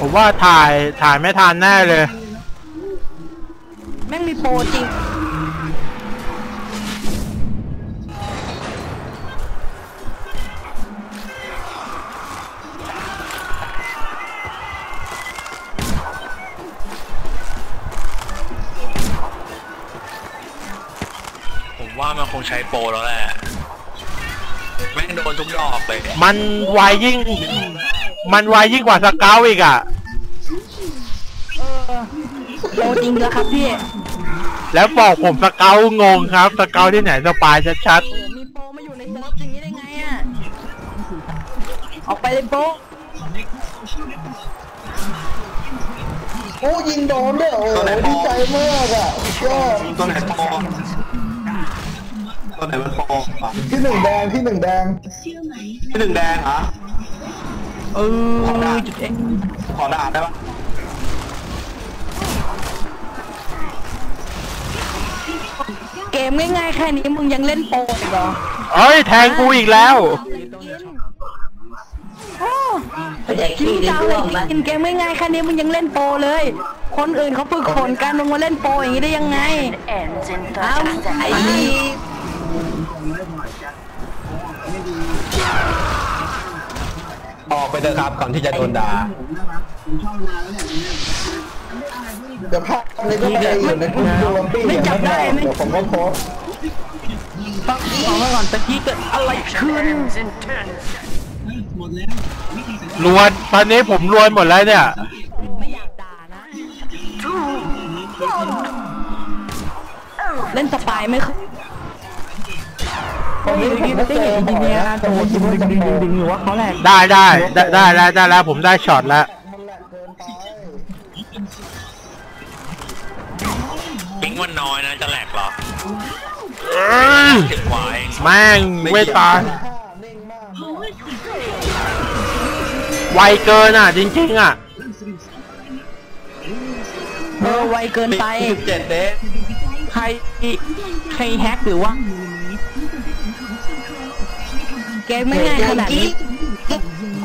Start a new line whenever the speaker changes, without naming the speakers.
ผมว่าถ่ายไม่ทันแน่เลย
แม่งมีโปรจริง
ผมว่ามันคงใช้โปรแล้วแหละแม่งโดนทุกดอกเลย
มันไวยิ่งกว่าสเกลอีกอ่ะ
โปรจริงแล้วครับพี่
แล้วบอกผมสเกลงงครับสเกลที่ไหนสปายชัด
ๆมีโปรมาอยู่ในเซิร์ฟอย่างนี้ได้ไงอ่ะออกไปเลยโปร
โอ้ยิงโดนด้วยโอ้ดีใจมากอ่ะก็
ตัวไหนโปรตัวไหนมันโปร
ที่หนึ่งแดงที่หนึ่งแดง
เหรอ
จุดเอง
ขอด่าได้ปะ
เกมง่ายๆแค่นี้มึงยังเล่นโปรอีกเหรอ
เอ้ยแทงกูอีกแล้ว
จริงจังเลยกินเกมง่ายๆแค่นี้มึงยังเล่นโปรเลยคนอื่นเขาฝึกฝนกันมึงมาเล่นโปรอย่างนี้ได้ยังไงอ้าวไอ้
ออกไปเถอะครับก่อนที่จะโดนด่า
เดี๋ยวภาพในก็ไปอยู่ในทุกดวงปีอย่างนั้นเดี๋ยวผมก็โพส
ต้องบอกไว้ก่อนตะกี้เกิดอะไรขึ้น
รวนตอนนี้ผมรวนหมดแล้วเนี่ย
ไม่อยากด่านะเล่นสปายไหมครับผมไม่ได้เห็นจริงๆเนี่ยโอ้ดึงหรือว่าเขาแหลก
ได้แล้วผมได้ช็อตแล้ว
ปิงวันน้อยนะจะแหลกเหรอ
แม่งไม่ตายไวเกินอ่ะจริงๆอ่ะ
ไวเกินไป
17 เดย์
ใครแฮกหรือว่าเกมไม่ง่ายขนาดนี้